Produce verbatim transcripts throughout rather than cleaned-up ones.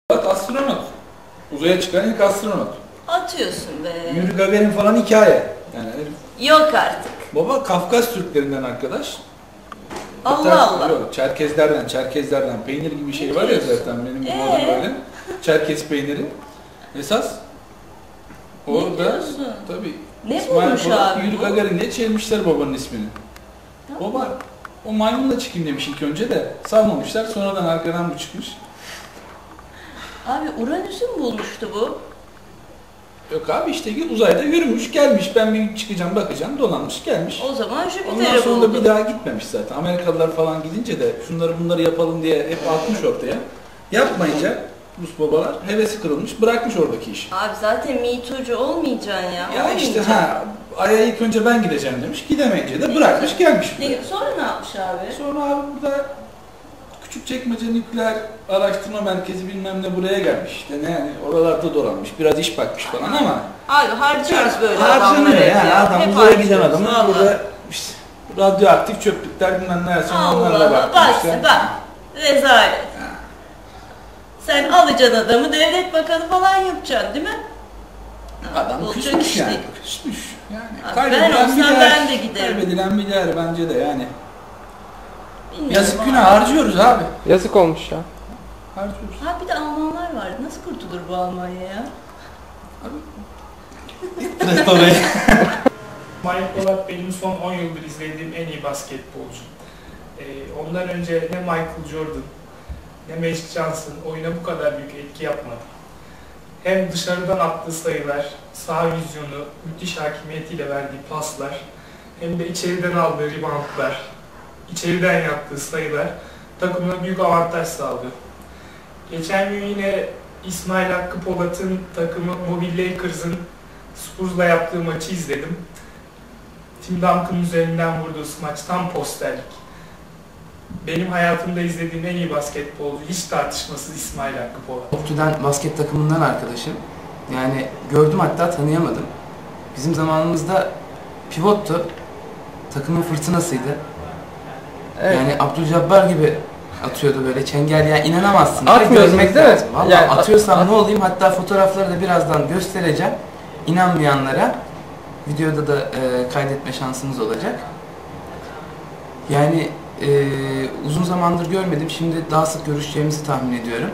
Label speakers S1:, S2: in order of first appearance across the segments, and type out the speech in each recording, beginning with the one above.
S1: Bak astronot. Uzaya çıkan ilk astronot.
S2: Atıyorsun be.
S1: Yuri Gagarin falan hikaye. Yani
S2: Yok artık.
S1: baba Kafkas Türklerinden arkadaş.
S2: Allah
S1: Hatta,
S2: Allah.
S1: Yok, Çerkezlerden, Çerkezlerden peynir gibi bir şey var ya zaten benim bu
S2: Ee?
S1: böyle. Çerkez peyniri. Esas orada tabii
S2: Ne
S1: İsmail
S2: bulmuş
S1: Polat,
S2: abi
S1: Yuri
S2: bu?
S1: Gagarin diye çevirmişler babanın ismini.
S2: Tamam.
S1: Baba o maymunla çıkayım demiş ilk önce de salmamışlar, sonradan arkadan bu çıkmış.
S2: Abi Uranüs'ü mü bulmuştu bu?
S1: Yok abi işte uzayda yürümüş gelmiş, ben bir çıkacağım bakacağım, dolanmış gelmiş.
S2: O zaman
S1: Ondan
S2: Jüpiter'i
S1: sonra da
S2: buldu.
S1: bir daha gitmemiş zaten. Amerikalılar falan gidince de şunları bunları yapalım diye hep atmış ortaya. Yapmayınca Rus babalar hevesi kırılmış, bırakmış oradaki işi.
S2: Abi zaten mitocu olmayacaksın ya.
S1: Ya işte
S2: olmayacaksın.
S1: ha Ay'a ilk önce ben gideceğim demiş, gidemeyince de bırakmış gelmiş.
S2: Ne, sonra ne yapmış abi?
S1: Sonra abi burada Küçükçekmece Nükleer Araştırma Merkezi bilmem ne buraya gelmiş. İşte ne yani oralarda dolanmış, biraz iş bakmış falan ama
S2: Abi harcıyoruz böyle
S1: harcanıyor
S2: adamları
S1: yani
S2: ya.
S1: adam
S2: Hep
S1: uzaya giden
S2: harcıyoruz,
S1: adamın
S2: vallahi.
S1: burada işte radyoaktif çöplükler bilmem ne sonra
S2: Allah
S1: onlarla
S2: Allah
S1: bakmış.
S2: bak
S1: işte.
S2: bak. Rezalet. Sen alacaksın adamı devlet bakanı falan yapacaksın değil mi?
S1: Adam
S2: Olacak
S1: küsmüş
S2: iş
S1: yani.
S2: değil.
S1: Küsmüş. Yani
S2: Abi
S1: kaybedilen
S2: ben olsam
S1: bir değer.
S2: ben de giderim.
S1: Kaybedilen bir değer bence de yani.
S2: Bilmiyorum
S1: Yazık
S2: abi.
S1: günah harcıyoruz abi.
S3: Yazık olmuş ya.
S1: Harcıyoruz.
S2: Ha bir de Almanlar vardı. Nasıl kurtulur bu Almanya ya?
S1: Evet orayı.
S4: İsmail Polat benim son on yıldır izlediğim en iyi basketbolcu. Ee, ondan önce ne Michael Jordan ne Magic Johnson oyuna bu kadar büyük etki yapmadı. Hem dışarıdan attığı sayılar, sağ vizyonu, müthiş hakimiyetiyle verdiği paslar, hem de içeriden aldığı reboundlar, içeriden yaptığı sayılar takımına büyük avantaj sağlıyor. Geçen gün yine İsmail Hakkı Polat'ın takımı Mobile Lakers'ın Spurs'la yaptığı maçı izledim. Tim Duncan'ın üzerinden vurduğu maç tam posterlik. Benim hayatımda izlediğim en iyi basketbolcu hiç tartışmasız İsmail Hakkı Polat.
S3: Optü'den basket takımından arkadaşım. Yani gördüm hatta tanıyamadım. Bizim zamanımızda pivottu. Takımın fırtınasıydı.
S5: Evet.
S3: Yani Abdülcabbar gibi atıyordu böyle çengel ya inanamazsın.
S5: Atmıyorsunuz
S3: Görmek
S5: değil mi?
S3: lazım. Vallahi
S5: Yani
S3: atıyorsam
S5: at-
S3: ne olayım hatta fotoğrafları da birazdan göstereceğim. İnanmayanlara videoda da e, kaydetme şansımız olacak. Yani e, uzun zamandır görmedim. Şimdi daha sık görüşeceğimizi tahmin ediyorum.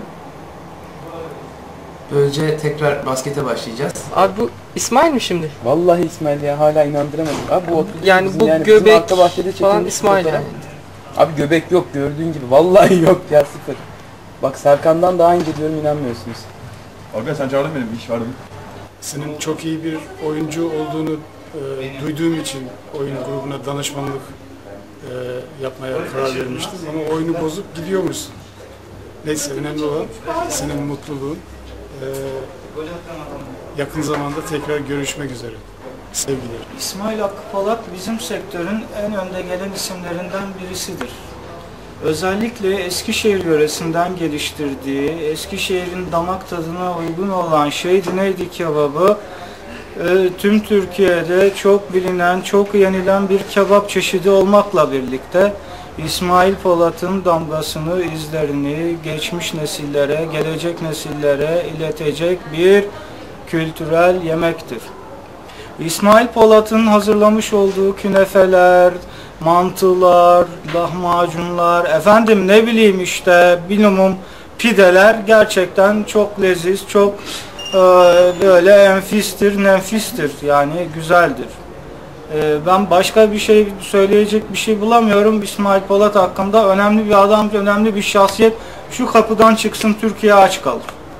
S3: Böylece tekrar baskete başlayacağız.
S5: Abi bu İsmail mi şimdi?
S6: Vallahi İsmail ya hala inandıramadım. Abi bu otuz
S5: Yani
S6: bizim
S5: bu
S6: bizim
S5: göbek
S6: arka bahçede
S5: falan
S6: çekilmiş
S5: İsmail
S6: fotoğraf.
S5: yani.
S6: Abi göbek yok gördüğün gibi. Vallahi yok ya sıfır. Bak Serkan'dan daha ince diyorum inanmıyorsunuz.
S7: Abi sen çağırdın beni, bir iş vardı.
S8: Senin çok iyi bir oyuncu olduğunu e, duyduğum için oyun grubuna danışmanlık e, yapmaya karar vermiştim. Ama oyunu bozup gidiyormuşsun. Neyse önemli olan senin mutluluğun. E, yakın zamanda tekrar görüşmek üzere. Sevgiler.
S9: İsmail Hakkı Polat bizim sektörün en önde gelen isimlerinden birisidir. Özellikle Eskişehir yöresinden geliştirdiği, Eskişehir'in damak tadına uygun olan Şehit neydi kebabı, e, tüm Türkiye'de çok bilinen, çok yenilen bir kebap çeşidi olmakla birlikte İsmail Polat'ın damgasını, izlerini geçmiş nesillere, gelecek nesillere iletecek bir kültürel yemektir. İsmail Polat'ın hazırlamış olduğu künefeler, mantılar, lahmacunlar, efendim ne bileyim işte minimum pideler gerçekten çok leziz, çok e, böyle enfistir, nefistir yani güzeldir. E, ben başka bir şey söyleyecek bir şey bulamıyorum İsmail Polat hakkında. Önemli bir adam, önemli bir şahsiyet. Şu kapıdan çıksın Türkiye aç kalır.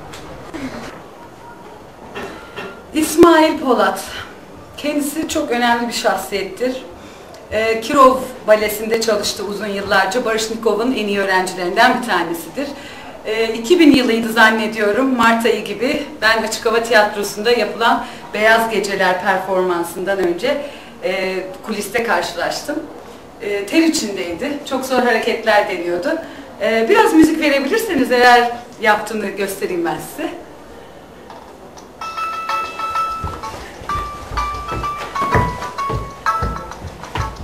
S10: İsmail Polat. Kendisi çok önemli bir şahsiyettir. Ee, Kirov Balesi'nde çalıştı uzun yıllarca. Barışnikov'un en iyi öğrencilerinden bir tanesidir. Ee, iki bin yılıydı zannediyorum, Mart ayı gibi. Ben Açık Hava Tiyatrosu'nda yapılan Beyaz Geceler performansından önce e, kuliste karşılaştım. E, ter içindeydi. Çok zor hareketler deniyordu. E, biraz müzik verebilirseniz eğer yaptığını göstereyim ben size.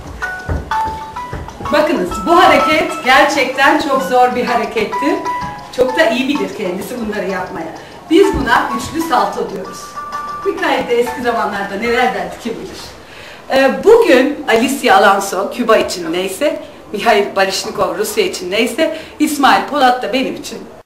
S10: Bakınız bu hareket gerçekten çok zor bir harekettir. Çok da iyi bilir kendisi bunları yapmaya. Biz buna üçlü salto diyoruz. Mikail de eski zamanlarda neler derdi kim bilir. Ee, bugün Alicia Alonso Küba için neyse, Mihail Baryshnikov Rusya için neyse, İsmail Polat da benim için